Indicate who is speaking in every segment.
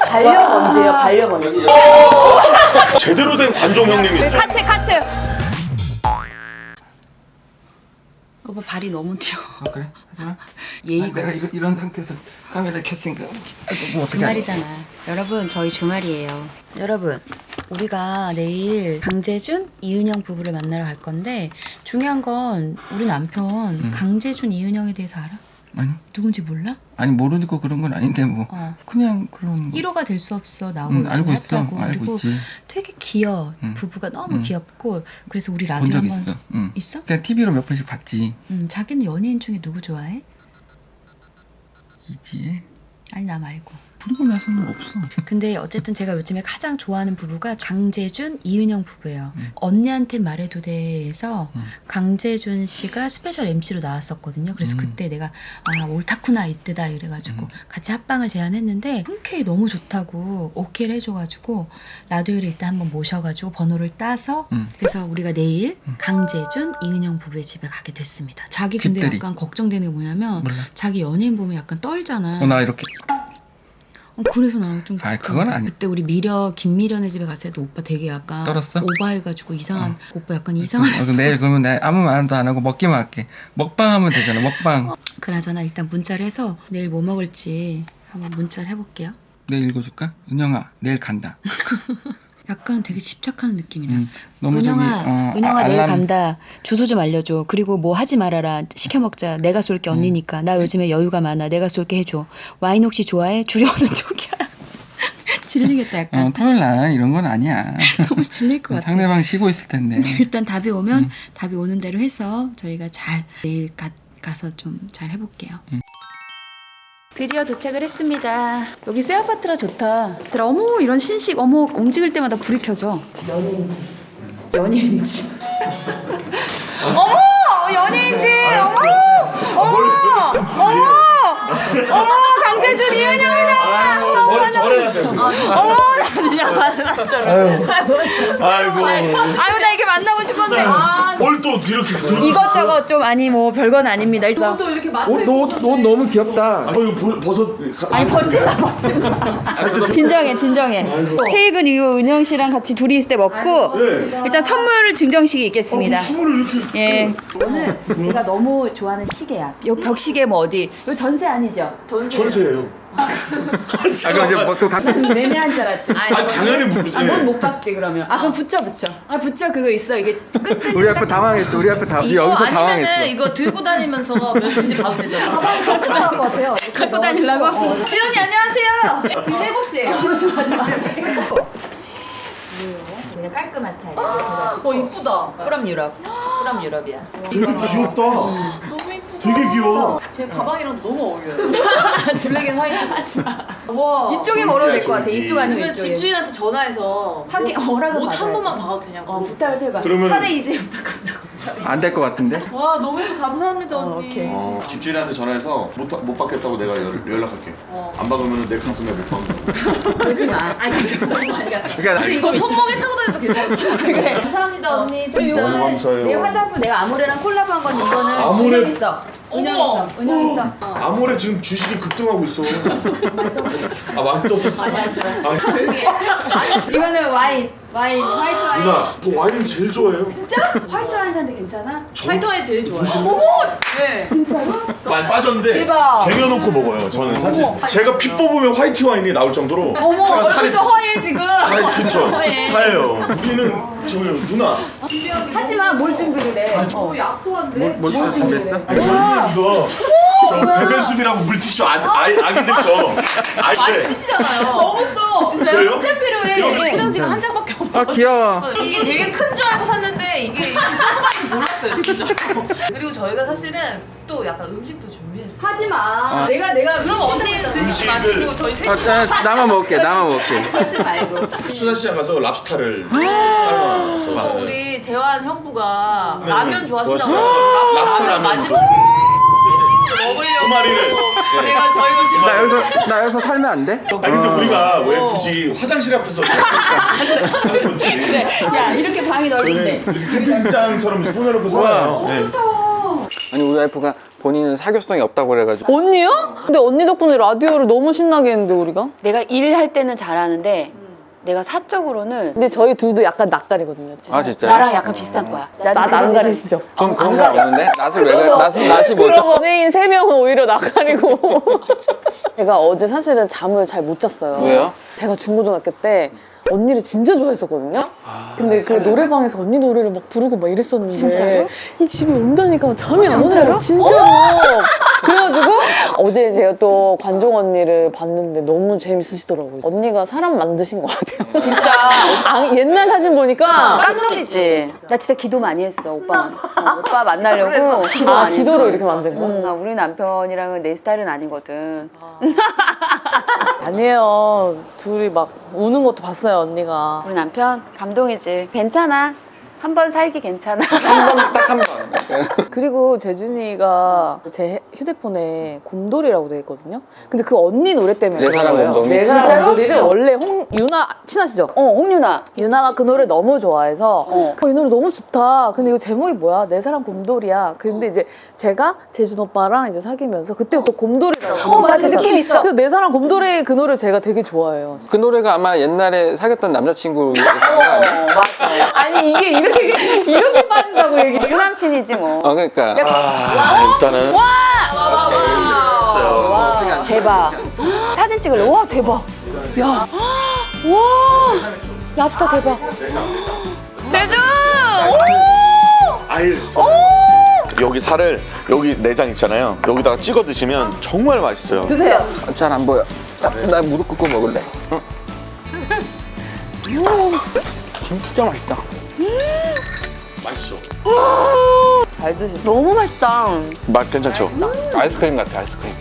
Speaker 1: 반려먼지예요, 반려먼지.
Speaker 2: 제대로 된 관종 형님이시죠?
Speaker 1: 카트. 오빠 발이 너무 튀어.
Speaker 3: 그래? 하지마.
Speaker 1: 예의가
Speaker 3: 내가 이런 상태에서 카메라 켰으니까 뭐 어떻게
Speaker 1: 주말이잖아. 여러분 저희 주말이에요. 여러분 우리가 내일 강재준, 이은영 부부를 만나러 갈 건데 중요한 건 우리 남편 강재준, 이은영에 대해서 알아?
Speaker 3: 아니
Speaker 1: 누군지 몰라?
Speaker 3: 아니 모르고 그런 건 아닌데 뭐 그냥 그런
Speaker 1: 1호가 될 수 없어 나오고 요즘
Speaker 3: 알고 있어.
Speaker 1: 핫하고
Speaker 3: 알고
Speaker 1: 그리고
Speaker 3: 있지.
Speaker 1: 되게 귀여워. 부부가 너무 귀엽고 그래서 우리 라디오
Speaker 3: 본 적
Speaker 1: 한번
Speaker 3: 있어.
Speaker 1: 있어?
Speaker 3: 그냥 TV로 몇 번씩 봤지.
Speaker 1: 자기는 연예인 중에 누구 좋아해?
Speaker 3: 이지혜?
Speaker 1: 아니 나 말고.
Speaker 3: 그러고 나서는 없어.
Speaker 1: 근데 어쨌든 제가 요즘에 가장 좋아하는 부부가 강재준, 이은영 부부예요. 언니한테 말해도 돼에서 강재준 씨가 스페셜 MC로 나왔었거든요. 그래서 그때 내가 옳다쿠나 이때다 이래가지고 같이 합방을 제안했는데 흔쾌히 너무 좋다고 오케이를 해줘가지고 라디오를 일단 한번 모셔가지고 번호를 따서 그래서 우리가 내일 강재준, 이은영 부부의 집에 가게 됐습니다. 자기 근데
Speaker 3: 집들이.
Speaker 1: 약간 걱정되는 게 뭐냐면
Speaker 3: 몰라.
Speaker 1: 자기 연예인 보면 약간 떨잖아.
Speaker 3: 나 이렇게
Speaker 1: 그래서 나 좀
Speaker 3: 그건 아니.
Speaker 1: 그때 우리 김미련의 집에 갔을 때 오빠 되게 약간
Speaker 3: 떨었어?
Speaker 1: 오바해가지고 이상한 오빠 약간 이상한
Speaker 3: 그럼 내일 그러면 내가 아무 말도 안 하고 먹기만 할게. 먹방 하면 되잖아. 먹방.
Speaker 1: 그나저나 일단 문자를 해서 내일 뭐 먹을지 한번 문자를 해볼게요.
Speaker 3: 내일 읽어줄까? 은영아 내일 간다.
Speaker 1: 약간 되게 집착하는 느낌이다.
Speaker 3: 너무
Speaker 1: 은영아 내일 간다. 주소 좀 알려줘. 그리고 뭐 하지 말아라. 시켜 먹자. 내가 쏠게 언니니까. 나 요즘에 여유가 많아. 내가 쏠게 해줘. 와인 혹시 좋아해? 줄여오는 쪽이야. 질리겠다 약간.
Speaker 3: 토요일 날 이런 건 아니야.
Speaker 1: 너무 질릴 것 같아.
Speaker 3: 상대방 쉬고 있을 텐데.
Speaker 1: 일단 답이 오면 답이 오는 대로 해서 저희가 잘 내일 가서 좀 잘 해볼게요. 드디어 도착을 했습니다. 여기 새 아파트라 좋다. 어머 이런 신식 어머 움직일 때마다 불이 켜져. 연예인지. 어머 연예인지. 어머 강재준 이은영이다.
Speaker 2: 저래야 돼.
Speaker 1: 어머 나 진짜 만났잖아.
Speaker 2: 아이고.
Speaker 1: 아유 나 이렇게 만나고 싶었는데.
Speaker 2: 뭘 또 이렇게 들어?
Speaker 1: 이것저것 좀 아니 뭐 별건 아닙니다. 일단
Speaker 4: 또 이렇게 맞춰
Speaker 3: 옷 너무 귀엽다.
Speaker 2: 이거 벗어.
Speaker 1: 아니 벗지 마. 진정해. 퇴근 이후 은영 씨랑 같이 둘이 있을 때 먹고
Speaker 2: 네.
Speaker 1: 일단 선물 증정식이 있겠습니다.
Speaker 2: 선물을 이렇게.
Speaker 1: 예. 오늘 제가 너무 좋아하는 시계야. 요 벽시계 뭐 어디? 요 전세 아니죠?
Speaker 2: 전세예요.
Speaker 3: 이제 뭐또
Speaker 1: 매매한 줄 알았지.
Speaker 2: 아 당연히
Speaker 1: 뭔 못 박지 그러면? 그럼 붙여. 붙여 그거 있어. 이게 끝.
Speaker 3: 우리 앞에 당황했어. 우리 앞에
Speaker 4: 이거
Speaker 3: 여기서
Speaker 4: 아니면은
Speaker 3: 당황했어.
Speaker 4: 이거 들고 다니면서 몇인지 봐도 되잖아.
Speaker 1: 갖고 나올 것 같아요. 갖고 다니려고?
Speaker 4: 지연이 안녕하세요. 지금 7시에요.
Speaker 1: 좋아. 되게 깔끔한 스타일이야.
Speaker 4: 이쁘다.
Speaker 1: 프롬 유럽이야.
Speaker 2: 되게 귀엽다.
Speaker 4: 너무 이쁘다.
Speaker 2: 되게 귀여워.
Speaker 4: 제 가방이랑 너무 어울려요. 블랙 앤 화이트. 와.
Speaker 1: 이쪽에 걸어도 될 것 같아. 이쪽 아니면
Speaker 4: 그러면
Speaker 1: 이쪽에.
Speaker 4: 집주인한테 전화해서
Speaker 1: 하긴 허락을
Speaker 4: 옷 한
Speaker 1: 받아야
Speaker 4: 번만
Speaker 1: 돼.
Speaker 4: 봐도 되냐고.
Speaker 1: 부탁을 좀 해봐.
Speaker 2: 그러면-
Speaker 1: 차례 이제 부탁한다고.
Speaker 3: 안 될 것 같은데?
Speaker 4: 와 너무 예쁘 감사합니다 언니.
Speaker 1: 오케이.
Speaker 2: 집주인한테 전화해서 못 받겠다고 내가 연락할게. 안 받으면 내 가슴에 못 박는다고.
Speaker 1: 그러지 마. 잠깐만 많이 갔어.
Speaker 3: 그러니까
Speaker 4: 근데 이거 손목에 차고 다녀도 괜찮아. 그래. 감사합니다 언니
Speaker 1: 그리고
Speaker 4: 진짜.
Speaker 2: 너무 감사해요.
Speaker 1: 내 화장품 내가 아모레랑 콜라보한 건 이거는
Speaker 2: 아모레?
Speaker 1: 은영 있어.
Speaker 4: 어머.
Speaker 1: 은영 있어.
Speaker 2: 아무래 지금 주식이 급등하고 있어. 많이 떠봤어.
Speaker 1: 조용히 해. 이거는 와인, 화이트 와인.
Speaker 2: 누나, 저 와인 제일 좋아해요.
Speaker 1: 진짜? 화이트 와인 사는데 괜찮아?
Speaker 4: 화이트 와인 제일 좋아요.
Speaker 1: 어머!
Speaker 4: 네.
Speaker 1: 진짜로?
Speaker 2: 많이 빠졌는데
Speaker 1: 대박.
Speaker 2: 쟁여놓고 먹어요. 저는 사실 제가 피 뽑으면 화이트 와인이 나올 정도로
Speaker 1: 어머,
Speaker 2: 제가 살이
Speaker 1: 얼굴도 허해 지금.
Speaker 2: 그쵸.
Speaker 1: 허해.
Speaker 2: 하예요. 우리는 저요 누나.
Speaker 1: 하지마, 뭘 준비를 해.
Speaker 4: 약소한데.
Speaker 3: 뭐 준비했어?
Speaker 2: 저는 이거 저 베베숲이라고 물티슈 아기들 거.
Speaker 4: 많이
Speaker 2: 네.
Speaker 4: 쓰시잖아요.
Speaker 1: 너무 써. 진짜요?
Speaker 2: 그래요?
Speaker 1: 진짜 필요해.
Speaker 2: 이거
Speaker 4: 포장지가 한 장밖에 없어.
Speaker 3: 귀여워.
Speaker 4: 이게 되게 큰 줄 알고 샀는데 이게 조그만지 몰랐어요 진짜. 그리고 저희가 사실은 또 약간 음식도 준비했어요.
Speaker 1: 하지마. 내가
Speaker 4: 그럼 언니 드시지 마시고 저희 셋이
Speaker 3: 나만 먹을게.
Speaker 1: 하지 말고.
Speaker 2: 수산시장 가서 랍스타를 삶아서
Speaker 4: 우리 재환 형부가
Speaker 2: 네,
Speaker 4: 라면 좋아하신다고
Speaker 2: 좋아하시나요? 랍스터 라면.
Speaker 4: 마지막에
Speaker 2: 두 마리를. 네.
Speaker 4: 저희가 지금
Speaker 3: 나 여기서 살면 안 돼?
Speaker 2: 아니 근데 우리가 왜 굳이 화장실 앞에서 하는 건지.
Speaker 1: 야, 이렇게 방이
Speaker 2: 저는
Speaker 1: 넓은데.
Speaker 2: 이렇게 캠핑장처럼 꾸며놓고 살아요. 네.
Speaker 3: 아니 우리 와이프가 본인은 사교성이 없다고 그래가지고.
Speaker 5: 언니요? 근데 언니 덕분에 라디오를 너무 신나게 했는데 우리가?
Speaker 1: 내가 일할 때는 잘하는데 내가 사적으로는
Speaker 5: 근데 저희 둘도 약간 낯가리거든요.
Speaker 3: 아 진짜요?
Speaker 1: 나랑 약간 비슷한 거야.
Speaker 5: 안 가리시죠?
Speaker 3: 전 그런 거 없는데? 낯을 왜 낯이 뭐죠?
Speaker 5: 연예인 3명은 오히려 낯가리고 제가 어제 사실은 잠을 잘 못 잤어요.
Speaker 3: 왜요?
Speaker 5: 제가 중고등학교 때 언니를 진짜 좋아했었거든요. 근데 그 노래방에서 언니 노래를 막 부르고 막 이랬었는데
Speaker 1: 진짜로?
Speaker 5: 이 집에 온다니까 잠이 안
Speaker 1: 진짜로?
Speaker 5: 와요. 진짜로. 그래가지고 어제 제가 또 관종 언니를 봤는데 너무 재밌으시더라고요. 언니가 사람 만드신 것 같아요.
Speaker 1: 진짜
Speaker 5: 옛날 사진 보니까
Speaker 1: 깜놀이지. 나 진짜 기도 많이 했어 오빠. 오빠 만나려고 기도 많이
Speaker 5: 기도로
Speaker 1: 했어.
Speaker 5: 이렇게 만든 거?
Speaker 1: 우리 남편이랑은 내 스타일은 아니거든.
Speaker 5: 아니에요. 둘이 막 우는 것도 봤어요, 언니가.
Speaker 1: 우리 남편 감동이지. 괜찮아. 한 번 살기 괜찮아.
Speaker 3: 딱 한 번.
Speaker 5: 그리고 재준이가 제 휴대폰에 곰돌이라고 돼 있거든요. 근데 그 언니 노래 때문에
Speaker 3: 내 사랑
Speaker 5: 그런 거예요.
Speaker 3: 곰돌이?
Speaker 5: 내 사랑
Speaker 1: 진짜로?
Speaker 5: 곰돌이를 원래 유나 친하시죠?
Speaker 1: 홍윤아.
Speaker 5: 유나가 그 노래 너무 좋아해서
Speaker 1: 어.
Speaker 5: 이 노래 너무 좋다. 근데 이거 제목이 뭐야? 내 사랑 곰돌이야. 근데 이제 제가 재준 오빠랑 이제 사귀면서 그때부터 곰돌이라고
Speaker 1: 맞아. 느낌 있어.
Speaker 5: 그래서 내 사랑 곰돌이 그 노래 제가 되게 좋아해요.
Speaker 3: 그 노래가 아마 옛날에 사귀었던 남자친구 아니야?
Speaker 1: 맞아.
Speaker 5: 아니 이게 이렇게 빠진다고 얘기.
Speaker 1: 유남친이지 뭐.
Speaker 3: 그러니까
Speaker 2: 일단은
Speaker 1: 대박. 사진 찍을래? 와 대박. 야. 와. 랍스터 대박. 제주.
Speaker 2: 아일. 여기 살을 여기 내장 있잖아요. 여기다가 찍어 드시면 정말 맛있어요.
Speaker 5: 드세요.
Speaker 3: 잘 안 보여. 나 무릎 꿇고 먹을래. 진짜 맛있다.
Speaker 2: 맛있어.
Speaker 5: 잘 드시.
Speaker 1: 너무 맛있다.
Speaker 2: 맛 괜찮죠?
Speaker 3: 아이스크림 같아 아이스크림.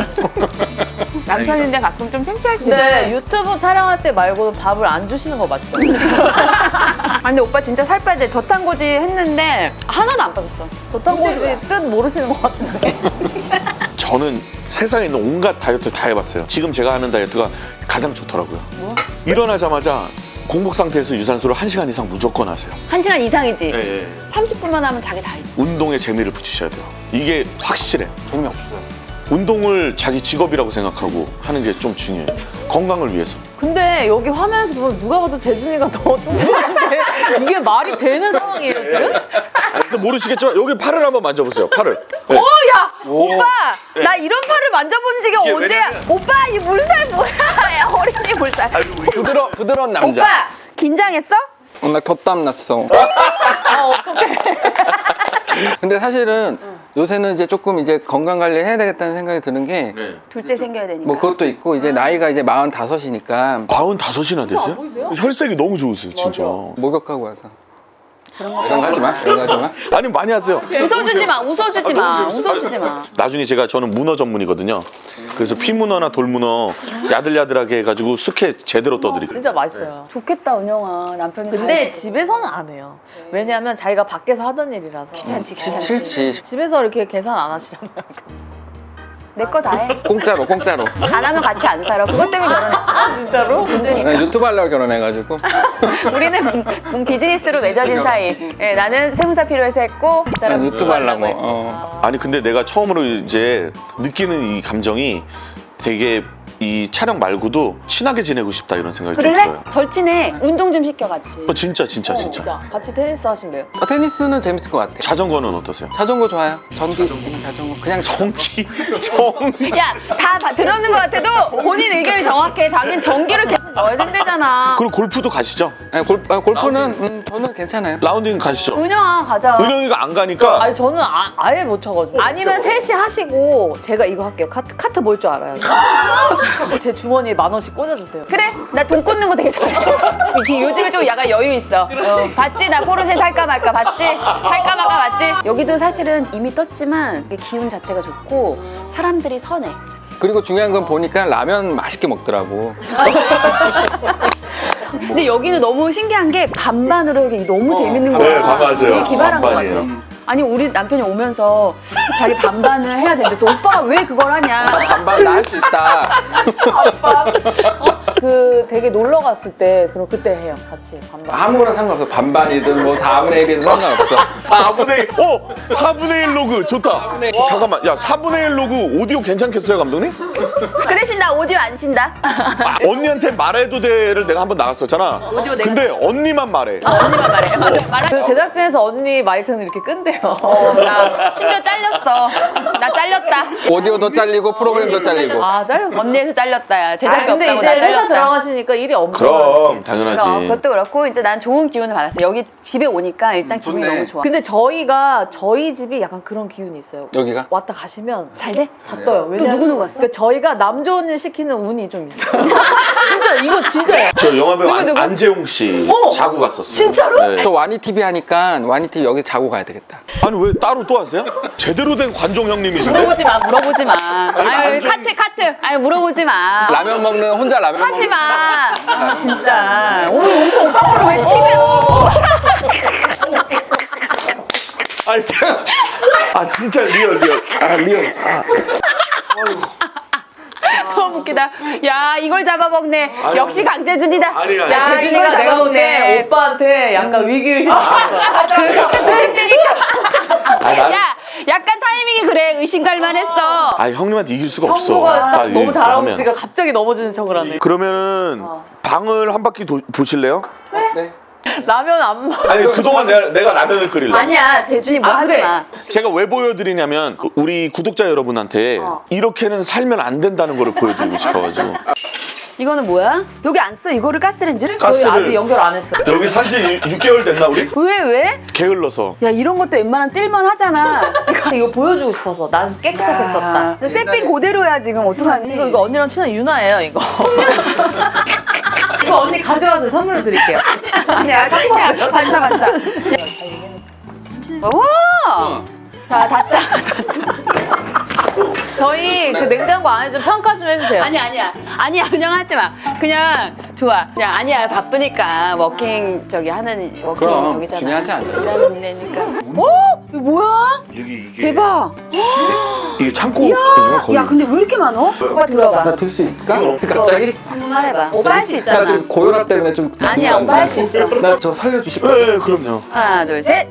Speaker 1: 남편인데 가끔 좀 창피할 때.
Speaker 5: 근데 유튜브 촬영할 때 말고는 밥을 안 주시는 거 맞죠?
Speaker 1: 아 근데 오빠 진짜 살 빼야 돼. 저탄고지 했는데 하나도 안 빠졌어.
Speaker 5: 저탄고지 뜻 모르시는 것 같은데.
Speaker 2: 저는 세상에 있는 온갖 다이어트 다 해봤어요. 지금 제가 하는 다이어트가 가장 좋더라고요. 일어나자마자 공복 상태에서 유산소를 1시간 이상 무조건 하세요.
Speaker 1: 1시간 이상이지.
Speaker 2: 예.
Speaker 1: 30분만 하면 자기 다 있어.
Speaker 2: 운동에 재미를 붙이셔야 돼요. 이게 확실해.
Speaker 3: 재미없어요.
Speaker 2: 운동을 자기 직업이라고 생각하고 하는 게 좀 중요해요. 건강을 위해서.
Speaker 5: 근데 여기 화면에서 보면 누가 봐도 재준이가 더 뚱뚱한데 이게 말이 되는 상황이에요 지금?
Speaker 2: 근데 모르시겠지만 여기 팔을 한번 만져보세요. 팔을. 네.
Speaker 1: 오빠! 나 이런 팔을 만져본 지가
Speaker 2: 이게
Speaker 1: 언제야? 오빠 이 물살 뭐야? 야 어린이 물살.
Speaker 3: 부드러운 남자.
Speaker 1: 오빠! 긴장했어?
Speaker 3: 나 겹땀 났어. 근데 사실은 요새는 이제 조금 이제 건강 관리 해야 되겠다는 생각이 드는 게
Speaker 1: 둘째 생겨야 되니까.
Speaker 3: 뭐 그것도 있고 이제 나이가 이제 45이니까
Speaker 2: 45이나 되세요? 혈색이 너무 좋으세요, 진짜.
Speaker 3: 목욕하고 와서 이런 거 하지 마. 이런 거 하지 마.
Speaker 2: 아니 많이 하세요.
Speaker 1: 웃어주지 마, 웃어주지 마, 웃어주지 마.
Speaker 2: 나중에 저는 문어 전문이거든요. 그래서 피문어나 돌문어 야들야들하게 해가지고 숙회 제대로 떠드릴게요.
Speaker 5: 진짜 맛있어요.
Speaker 1: 좋겠다 은영아. 남편이 다
Speaker 5: 근데
Speaker 1: 해줄게.
Speaker 5: 집에서는 안 해요. 왜냐하면 자기가 밖에서 하던 일이라서.
Speaker 1: 귀찮지 귀찮지.
Speaker 3: 싫지.
Speaker 5: 집에서 이렇게 계산 안 하시잖아요.
Speaker 1: 내 거 다 해.
Speaker 3: 공짜로.
Speaker 1: 안 하면 같이 안 살아. 그것 때문에 결혼했어.
Speaker 5: 진짜로?
Speaker 3: 나 유튜브 하려고 결혼해가지고.
Speaker 1: 우리는 비즈니스로 맺어진 사이. 예, 나는 세무사 필요해서 했고 이
Speaker 3: 난
Speaker 1: 사람
Speaker 3: 유튜브 하려고.
Speaker 1: 했고.
Speaker 2: 아니 근데 내가 처음으로 이제 느끼는 이 감정이 되게 이 촬영 말고도 친하게 지내고 싶다 이런 생각이 좀
Speaker 1: 그럴래?
Speaker 2: 들어요.
Speaker 1: 절친해. 운동 좀 시켜 같이.
Speaker 2: 진짜.
Speaker 5: 진짜. 같이 테니스 하신대요.
Speaker 3: 테니스는 재밌을 것 같아.
Speaker 2: 자전거는 어떠세요?
Speaker 3: 자전거 좋아요. 전기 자전거. 그냥
Speaker 2: 전기.
Speaker 1: 야, 다 들었는 것 같아도 본인 의견이 정확해. 자기는 전기를 계속 넣어야 된대잖아.
Speaker 2: 그리고 골프도 가시죠?
Speaker 3: 아니, 골프는 저는 괜찮아요.
Speaker 2: 라운딩 가시죠?
Speaker 1: 은영아 가자.
Speaker 2: 은영이가 안 가니까
Speaker 5: 아니 저는 아예 못 쳐가지고. 아니면 셋이 하시고 제가 이거 할게요. 카트 볼 줄 알아요. 제 주머니에 10,000원씩 꽂아주세요.
Speaker 1: 그래? 나 돈 꽂는 거 되게 잘해. 지금 요즘에 좀 약간 여유 있어. 봤지? 나 포르쉐 살까 말까 봤지? 살까 말까 봤지? 여기도 사실은 이미 떴지만 이게 기운 자체가 좋고 사람들이 선해.
Speaker 3: 그리고 중요한 건 보니까 라면 맛있게 먹더라고.
Speaker 1: 근데 여기는 너무 신기한 게 반반으로 이게 너무 재밌는 거야.
Speaker 2: 네, 맞아요.
Speaker 1: 되게 기발한 것
Speaker 2: 반반이에요.
Speaker 1: 같아. 아니 우리 남편이 오면서 자기 반반을 해야 된대서 오빠가 왜 그걸 하냐.
Speaker 3: 반반 나 할 수 있다.
Speaker 5: 그 되게 놀러 갔을 때 그럼 그때 해요 같이 반반.
Speaker 3: 아무거나 상관없어. 반반이든 뭐 4분의 1이든 상관없어.
Speaker 2: 4분의 1, 4분의 1 로그 좋다. 잠깐만, 야 4분의 1 로그 오디오 괜찮겠어요, 감독님?
Speaker 1: 그 대신 나 오디오 안 쉰다.
Speaker 2: 언니한테 말해도 돼를 내가 한번 나갔었잖아.
Speaker 1: 오디오 내가
Speaker 2: 근데 언니만 말해.
Speaker 1: 언니만 말해. 맞아, 말하.
Speaker 5: 그 제작진에서 언니 마이크는 이렇게 끈대요.
Speaker 1: 나 심지어 잘렸어. 나 잘렸다.
Speaker 3: 오디오도 잘리고 프로그램도 잘리고.
Speaker 5: 아 잘렸어.
Speaker 1: 언니에서 잘렸다. 야.
Speaker 5: 아,
Speaker 1: 제작비
Speaker 5: 근데
Speaker 1: 없다고
Speaker 5: 이제
Speaker 1: 나
Speaker 5: 회사
Speaker 1: 잘렸다.
Speaker 5: 들어가시니까 일이 없는
Speaker 2: 그럼 당연하지.
Speaker 1: 그럼 그것도 그렇고 이제 난 좋은 기운을 받았어. 여기 집에 오니까 일단 기분이
Speaker 3: 좋네.
Speaker 1: 너무 좋아.
Speaker 5: 근데 저희 집이 약간 그런 기운이 있어요.
Speaker 3: 여기가?
Speaker 5: 왔다 가시면
Speaker 1: 잘 돼?
Speaker 5: 다 떠요. 왜냐면
Speaker 1: 누구 갔어?
Speaker 5: 그러니까 저희가 남 좋은 일 시키는 운이 좀 있어요. 진짜 이거 진짜예요.
Speaker 2: 저 영화배우
Speaker 1: 누구?
Speaker 2: 안재홍 씨 자고 갔었어요.
Speaker 5: 진짜로?
Speaker 2: 네.
Speaker 3: 저 와니 TV 하니까 와니 TV 여기 자고 가야 되겠다.
Speaker 2: 아니 왜 따로 또 하세요? 제대로 된 관종 형님이신데?
Speaker 1: 물어보지 마. 물어보지 마. 아유 카트. 아유 물어보지 마.
Speaker 3: 라면 먹는 혼자 라면
Speaker 1: 하지
Speaker 3: 먹는.
Speaker 1: 마. 아, 진짜. 오늘 여기서 오빠 거를 왜 치며?
Speaker 2: 아니 제가 진짜 리얼. 아 리얼.
Speaker 1: 너무 웃기다. 야 이걸 잡아먹네.
Speaker 2: 아니,
Speaker 1: 역시 강재준이다.
Speaker 2: 아니.
Speaker 1: 야
Speaker 5: 재준이가
Speaker 1: 이걸
Speaker 5: 내가 볼 때
Speaker 1: 잡아먹네.
Speaker 5: 오빠한테 약간 위기의식.
Speaker 1: 집중되니까.
Speaker 2: 아니, 난-
Speaker 1: 야 약간 타이밍이 그래. 의심갈만 했어.
Speaker 2: 아니 형님한테 이길 수가 없어.
Speaker 5: 형부가
Speaker 2: 딱
Speaker 5: 딱 너무
Speaker 2: 이렇게
Speaker 5: 잘하고
Speaker 2: 하면.
Speaker 5: 있으니까 갑자기 넘어지는 척을 하네.
Speaker 2: 그러면은 방을 한 바퀴 보실래요?
Speaker 3: 네.
Speaker 5: 라면 안 먹.
Speaker 2: 아니 그동안 내가 라면을 끓일래.
Speaker 1: 아니야 재준이 뭐
Speaker 5: 아,
Speaker 1: 하지
Speaker 5: 그래.
Speaker 1: 마.
Speaker 2: 제가 왜 보여드리냐면 우리 구독자 여러분한테 이렇게는 살면 안 된다는 거를 보여드리고 싶어가지고.
Speaker 1: 이거는 뭐야? 여기 안 써? 이거를 가스렌지를?
Speaker 5: 저희 아직
Speaker 2: 가스를
Speaker 5: 연결 안 했어요.
Speaker 2: 여기 산지 6개월 됐나 우리?
Speaker 1: 왜?
Speaker 2: 게을러서.
Speaker 1: 야 이런 것도 웬만하면 뜰만 하잖아.
Speaker 5: 이거 보여주고 싶어서 나 깨끗하게 썼다.
Speaker 1: 너 세핑 그대로야 지금 어떡하니?
Speaker 5: 이거 언니랑 친한 유나예요 이거. 이거 언니 가져가서 선물로 드릴게요.
Speaker 1: 아니야 반사. 와! 자 닫자.
Speaker 5: 저희 그 냉장고 안에 좀 평가 좀 해주세요.
Speaker 1: 아니야 그냥 하지 마. 그냥 좋아. 그냥 아니야 바쁘니까 워킹 저기 하는 워킹
Speaker 3: 그럼
Speaker 1: 저기잖아.
Speaker 3: 중요하지 않아.
Speaker 1: 일하는 데니까. 이거 뭐야?
Speaker 2: 여기 이게
Speaker 1: 대박.
Speaker 2: 이게 창고인가 거의.
Speaker 1: 야 근데 왜 이렇게 많어? 오빠 들어봐.
Speaker 3: 나 들 수 있을까? 갑자기?
Speaker 1: 한번 해봐. 오빠 할 수
Speaker 3: 나
Speaker 1: 있잖아.
Speaker 3: 지금 고혈압 때문에 좀.
Speaker 1: 아니야 오빠 할 수 있어.
Speaker 3: 나 저 살려주실 거예요?
Speaker 2: 네, 그럼요.
Speaker 1: 하나 둘 셋.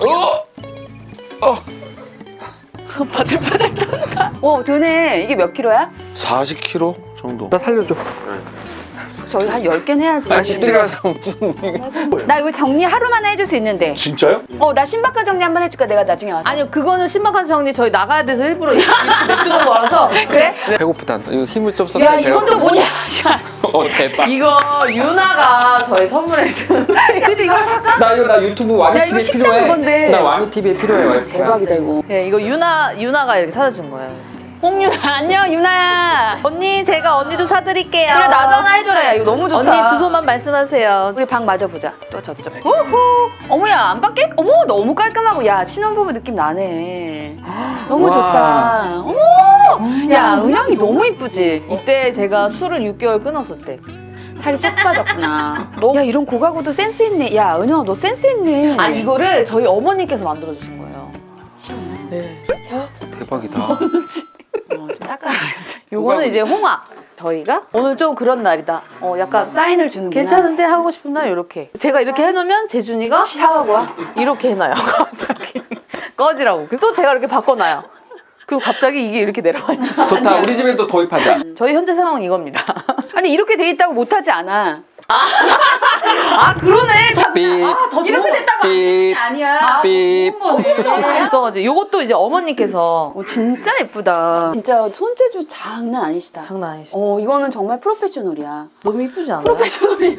Speaker 1: 바들바들 떤다. 오 되네. 이게 몇 킬로야?
Speaker 2: 40kg 정도.
Speaker 3: 나 살려줘.
Speaker 1: 저희 한 10개는 해야지.
Speaker 3: 아 집들이 가서 무슨.
Speaker 1: 나 이거 정리 하루만에 해줄 수 있는데.
Speaker 2: 진짜요?
Speaker 1: 나 신박한 정리 한번 해줄까? 내가 나중에 와서.
Speaker 5: 아니요 그거는 신박한 정리 저희 나가야 돼서 일부러 이렇게 냅두는 거라서.
Speaker 1: 그래?
Speaker 3: 배고프다. 이거 힘을 좀 써서.
Speaker 1: 야 이건 또 뭐냐?
Speaker 3: 대박.
Speaker 5: 이거 유나가 저희 선물해준.
Speaker 1: 그래도 이걸 살까?
Speaker 3: 나 유튜브 와니
Speaker 1: 야, 이거
Speaker 3: TV에
Speaker 1: 식당
Speaker 3: 필요해.
Speaker 1: 그건데.
Speaker 3: 나 와니 TV에 필요해.
Speaker 1: 대박이다 이거.
Speaker 5: 네 이거 유나가 이렇게 사다 준 거예요.
Speaker 1: 홍윤아 안녕 유나야.
Speaker 5: 언니 제가 언니도 사드릴게요.
Speaker 1: 그래 나도 하나 해줘라. 야, 이거 너무 좋다.
Speaker 5: 언니 주소만 말씀하세요.
Speaker 1: 우리 방 마저 보자. 또 저쪽. 오호. 어머야 안방 깨? 어머 너무 깔끔하고 야 신혼부부 느낌 나네. 너무
Speaker 3: 와.
Speaker 1: 좋다. 어머. 야 은영이 너무 이쁘지.
Speaker 5: 이때 제가 술을 6개월 끊었을 때.
Speaker 1: 살이 쏙 빠졌구나. 야 이런 고가구도 센스 있네. 야 은영아 너 센스 있네.
Speaker 5: 아 이거를 저희 어머니께서 만들어 주신 거예요. 네.
Speaker 3: 대박이다.
Speaker 1: 좀 닦아라.
Speaker 5: 요거는 이제 홍합. 저희가 오늘 좀 그런 날이다. 약간
Speaker 1: 사인을 주는구나.
Speaker 5: 괜찮은데 하고 싶은 날 이렇게. 제가 이렇게 해놓으면 재준이가
Speaker 1: 샤워하고 와.
Speaker 5: 이렇게 해놔요. 갑자기 꺼지라고. 그리고 또 제가 이렇게 바꿔놔요. 그리고 갑자기 이게 이렇게 내려와 있어.
Speaker 3: 좋다. 우리 집에도 도입하자.
Speaker 5: 저희 현재 상황은 이겁니다.
Speaker 1: 아니 이렇게 돼 있다고 못하지 않아.
Speaker 5: 아 그러네.
Speaker 3: 삐.
Speaker 1: 이렇게 됐다고
Speaker 3: 삐.
Speaker 1: 아니야.
Speaker 3: 삐.
Speaker 5: 있어가지고 요것도 이제 어머니께서
Speaker 1: 진짜 예쁘다. 진짜 손재주 장난 아니시다.
Speaker 5: 장난 아니시죠?
Speaker 1: 이거는 정말 프로페셔널이야.
Speaker 5: 너무 이쁘지 않아요?
Speaker 1: 프로페셔널이야.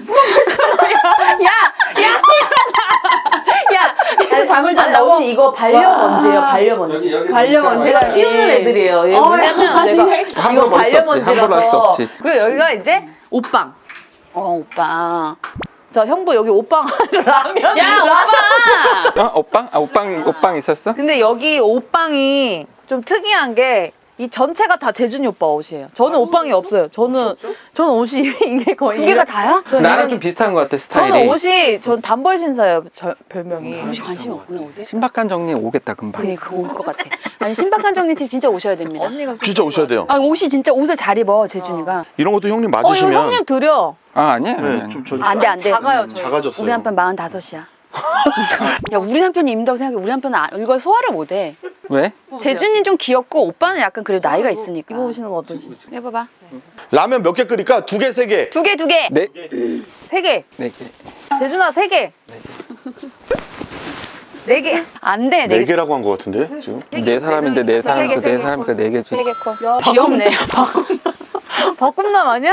Speaker 1: 야, 잠을 잔다고?
Speaker 5: 언니 이거 반려먼지예요, 반려먼지.
Speaker 3: 여기
Speaker 1: 반려먼지.
Speaker 5: 제가 키우는 애들이에요. 얘 뭐냐면 내가
Speaker 3: 함부로
Speaker 5: 이거
Speaker 3: 볼수 없지. 함부로 할수
Speaker 5: 반려먼지라서.
Speaker 3: 없지.
Speaker 5: 그리고 여기가 이제 옷방.
Speaker 1: 오빠.
Speaker 5: 저 형부 여기 옷방 라면.
Speaker 1: 야, 오빠!
Speaker 3: 옷방? 옷방 있었어?
Speaker 5: 근데 여기 옷방이 좀 특이한 게
Speaker 6: 이 전체가 다 재준이 오빠 옷이에요. 저는 옷방이 없어요. 저는 옷이 이게 거의
Speaker 5: 두 개가 다야?
Speaker 3: 나랑 좀 비슷한 것 같아, 스타일이.
Speaker 6: 저는 옷이 전 단벌 신사예요. 별명이.
Speaker 5: 혹시 관심 없구나 옷에?
Speaker 3: 신박한 정리 오겠다 금방.
Speaker 5: 그래 그거 올 것 같아. 아니 신박한 정리팀 진짜 오셔야 됩니다.
Speaker 6: 언니가
Speaker 2: 진짜 오셔야 돼요.
Speaker 5: 아 옷이 진짜 옷을 잘 입어 재준이가.
Speaker 2: 이런 것도 형님
Speaker 6: 이거
Speaker 2: 맞으시면
Speaker 6: 형님 드려.
Speaker 3: 아 아니야.
Speaker 2: 네, 좀 저-
Speaker 5: 안돼 안돼.
Speaker 6: 작아요 저희.
Speaker 2: 작아졌어요.
Speaker 5: 우리 남편 45이야. 야 우리 남편이 입는다고 생각해. 우리 남편은 이걸 소화를 못해.
Speaker 3: 왜?
Speaker 5: 재준이는 좀 귀엽고 오빠는 약간 그래도 나이가 있으니까.
Speaker 6: 입어보시는 거 어떠시?
Speaker 5: 해봐봐.
Speaker 2: 라면 몇 개 끓일까? 2개, 3개.
Speaker 5: 두 개.
Speaker 3: 네.
Speaker 6: 3개.
Speaker 3: 네 개.
Speaker 6: 재준아 3개. 4개.
Speaker 5: 안 돼.
Speaker 2: 4개라고 한 것 같은데 지금?
Speaker 3: 네 사람인데 네 사람이니까 네 사람이니까 네 개지.
Speaker 5: 세개 컷. 귀엽네.
Speaker 6: 벚꿈남 아니야?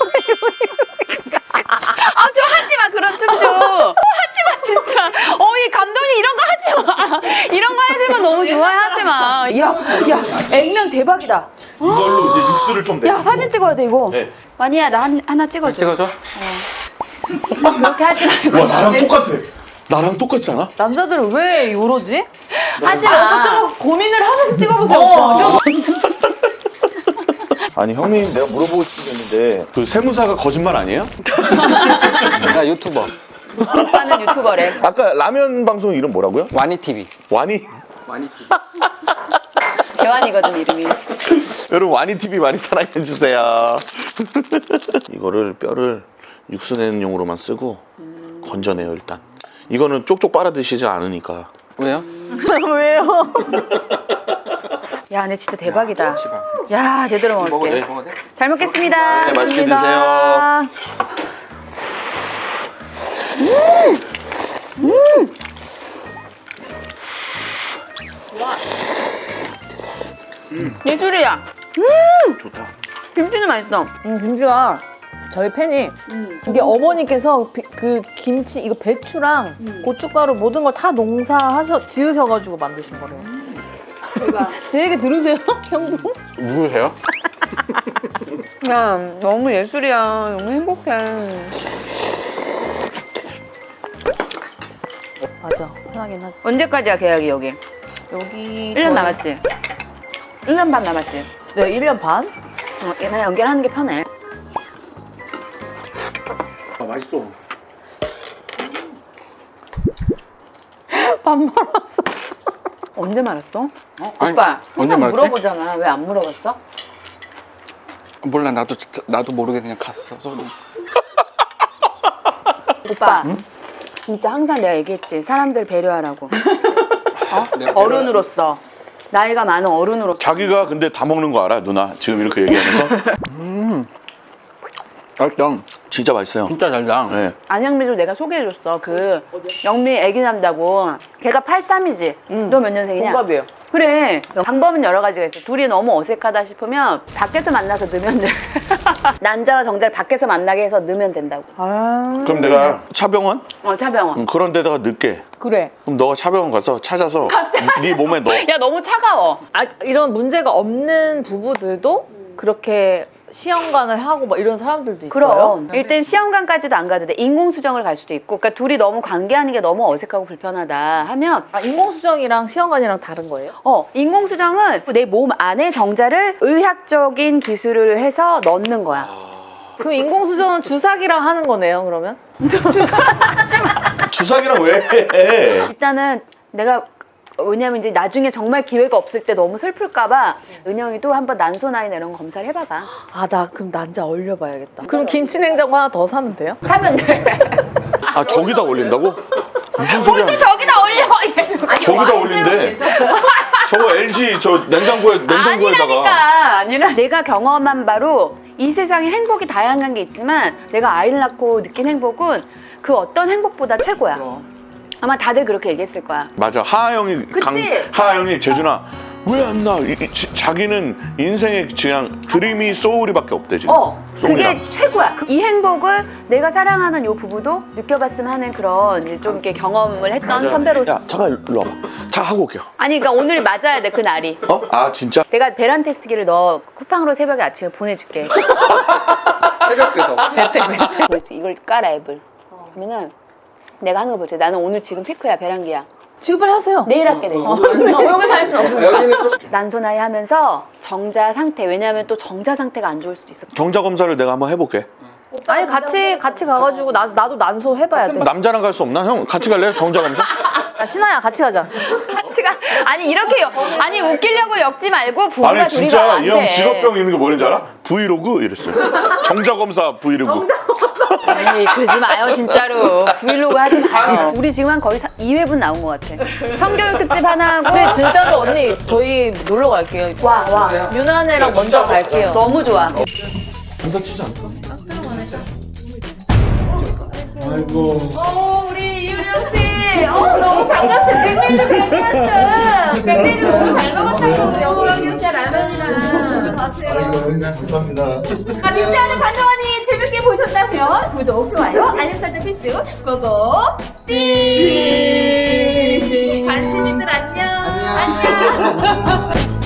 Speaker 5: 아, 저 하지 마, 그런 춤 좀. 하지 마, 진짜. 이 감독님 이런 거 하지 마. 이런 거 하지 마, 너무 좋아해, 하지 마. 야, 액면 대박이다.
Speaker 2: 이걸로 이제 육수를 좀
Speaker 5: 야, 사진 찍어야 돼, 이거.
Speaker 2: 네.
Speaker 5: 완이야, 나 하나 찍어줘.
Speaker 3: 찍어줘.
Speaker 5: 그렇게 하지 말고.
Speaker 2: 와 나랑 똑같아. 나랑 똑같지 않아?
Speaker 6: 남자들은 왜 이러지?
Speaker 5: 하지 마.
Speaker 6: 고민을 하면서 찍어보세요.
Speaker 2: 아니 형님 내가 물어보고 싶은 게 있는데 그 세무사가 거짓말 아니에요?
Speaker 3: 나 유튜버.
Speaker 5: 오빠는 유튜버래.
Speaker 2: 아까 라면 방송 이름 뭐라고요?
Speaker 3: 와니 TV.
Speaker 2: 와니?
Speaker 3: 와니 TV.
Speaker 5: 재환이거든, 이름이.
Speaker 2: 여러분 와니 TV 많이 사랑해 주세요. 이거를 뼈를 육수 내는 용으로만 쓰고 건져내요 일단. 이거는 쪽쪽 빨아 드시지 않으니까.
Speaker 3: 왜요?
Speaker 6: 왜요?
Speaker 5: 야, 근데 진짜 대박이다.
Speaker 3: 씨발.
Speaker 5: 야, 제대로
Speaker 3: 먹어도
Speaker 5: 먹을게.
Speaker 3: 돼? 먹어도 돼?
Speaker 5: 잘 먹겠습니다.
Speaker 2: 네, 맛있게
Speaker 5: 먹겠습니다. 예술이야.
Speaker 2: 좋다.
Speaker 5: 김치는 맛있어.
Speaker 6: 김치가 저희 팬이 이게 어머니께서 그 김치 이거 배추랑 고춧가루 모든 걸 다 지으셔가지고 만드신 거래요.
Speaker 5: 대박.
Speaker 6: 제 얘기 들으세요, 형부?
Speaker 3: 누구세요?
Speaker 5: 야, 너무 예술이야. 너무 행복해.
Speaker 6: 맞아, 편하긴 하지.
Speaker 5: 언제까지야, 계약이 여기?
Speaker 6: 여기
Speaker 5: 1년 남았지? 1년 반 남았지?
Speaker 6: 네, 1년 반?
Speaker 5: 나 연결하는 게 편해.
Speaker 2: 아 맛있어.
Speaker 6: 반 말았어.
Speaker 5: 언제 말했어?
Speaker 3: 아니,
Speaker 5: 오빠,
Speaker 3: 언제
Speaker 5: 항상
Speaker 3: 말했대?
Speaker 5: 물어보잖아. 왜 안 물어봤어?
Speaker 3: 몰라 나도 모르게 그냥 갔어. 소리.
Speaker 5: 오빠, 진짜 항상 내가 얘기했지. 사람들 배려하라고.
Speaker 3: 내가
Speaker 5: 어른으로서. 나이가 많은 어른으로서.
Speaker 2: 자기가 근데 다 먹는 거 알아 누나? 지금 이렇게 얘기하면서
Speaker 3: 맛있다.
Speaker 2: 진짜 맛있어요.
Speaker 3: 진짜 달다.
Speaker 2: 네.
Speaker 5: 안영미도 내가 소개해줬어. 영미 애기 난다고. 걔가 83이지? 너 몇 년생이냐?
Speaker 6: 동갑이에요.
Speaker 5: 그래. 방법은 여러 가지가 있어. 둘이 너무 어색하다 싶으면 밖에서 만나서 넣으면 돼. 남자와 정자를 밖에서 만나게 해서 넣으면 된다고.
Speaker 2: 그럼 내가 차병원?
Speaker 5: 차병원.
Speaker 2: 그런 데다가 넣게.
Speaker 6: 그래.
Speaker 2: 그럼 너가 차병원 가서 찾아서 네 몸에 넣어.
Speaker 5: 야, 너무 차가워.
Speaker 6: 이런 문제가 없는 부부들도 그렇게 시험관을 하고 막 이런 사람들도 있어요.
Speaker 5: 그럼 일단 시험관까지도 안 가도 돼. 인공수정을 갈 수도 있고. 그러니까 둘이 너무 관계하는 게 너무 어색하고 불편하다 하면
Speaker 6: 인공수정이랑 시험관이랑 다른 거예요?
Speaker 5: 인공수정은 내 몸 안에 정자를 의학적인 기술을 해서 넣는 거야.
Speaker 6: 그럼 인공수정은 주사기랑 하는 거네요, 그러면?
Speaker 2: 주사기랑 왜 해?
Speaker 5: 일단은 내가 왜냐면 이제 나중에 정말 기회가 없을 때 너무 슬플까봐 은영이도 한번 난소나이나 이런 거 검사를 해봐봐.
Speaker 6: 나 그럼 난자 얼려봐야겠다. 그럼 김치냉장고 하나 더 사면 돼요?
Speaker 5: 사면 돼.
Speaker 2: 아 저기다 올린다고? 무슨 소리야?
Speaker 5: 저기다 올려.
Speaker 2: 저기다 올린대. 저거 LG 저 냉동고에다가.
Speaker 5: 아니라 내가 경험한 바로 이 세상에 행복이 다양한 게 있지만 내가 아이를 낳고 느낀 행복은 그 어떤 행복보다 최고야. 아마 다들 그렇게 얘기했을 거야.
Speaker 2: 맞아. 하하영이
Speaker 5: 그치?
Speaker 2: 하하영이 재준아 왜 안 나? 자기는 인생에 그냥 드림이 소울이밖에 없대 지금. 소울이랑.
Speaker 5: 그게 최고야. 이 행복을 내가 사랑하는 요 부부도 느껴봤으면 하는 그런 이제 좀 이렇게 경험을 했던 선배로서.
Speaker 2: 야 잠깐 일로 와봐. 자 하고 올게요.
Speaker 5: 아니 그러니까 오늘 맞아야 돼 그 날이.
Speaker 2: 아 진짜?
Speaker 5: 내가 배란 테스트기를 너 쿠팡으로 새벽에 아침에 보내줄게.
Speaker 3: 새벽에서.
Speaker 5: 이걸 깔아 앱을. 그러면은 내가 하는 거 보지. 나는 오늘 지금 피크야 배란기야.
Speaker 6: 지금 빨리 하세요.
Speaker 5: 내일 할게 내일. 여기서 할 수는 없으니까.
Speaker 3: 여기는 좀
Speaker 5: 난소나이 하면서 정자 상태, 왜냐하면 또 정자 상태가 안 좋을 수도 있어.
Speaker 2: 정자 검사를 내가 한번 해볼게.
Speaker 6: 아니 같이 가가지고 나도 난소 해봐야 돼.
Speaker 2: 남자랑 갈 수 없나? 형 같이 갈래요? 정자 검사?
Speaker 6: 야, 신아야 같이 가자.
Speaker 5: 같이 가. 아니 이렇게 아니 웃기려고 엮지 말고 부부가
Speaker 2: 아니
Speaker 5: 둘이
Speaker 2: 진짜
Speaker 5: 가면 안
Speaker 2: 이 형
Speaker 5: 돼.
Speaker 2: 직업병 있는 게 뭐인지 알아? 브이로그 이랬어요. 정자 검사 브이로그.
Speaker 5: 에이, 그러지 마요 진짜로. 브이로그 하지 마요. 우리 지금 한 거의 2회분 나온 것 같아. 성교육 특집 하나 하고.
Speaker 6: 근데 진짜로 언니 저희 놀러 갈게요.
Speaker 5: 와.
Speaker 6: 유나네랑 먼저 갈게요.
Speaker 5: 너무 좋아.
Speaker 4: 우리 이유령 씨. 너무 반갑어. 백내주 백내주. 백내주 너무 잘 먹었다고. 진짜 라면이랑.
Speaker 7: 감사합니다.
Speaker 4: 믿지 않은 관정언니 재밌게 보셨다면 구독, 좋아요, 알림 설정 필수 고고 띵! 관심이들 안녕. 안녕.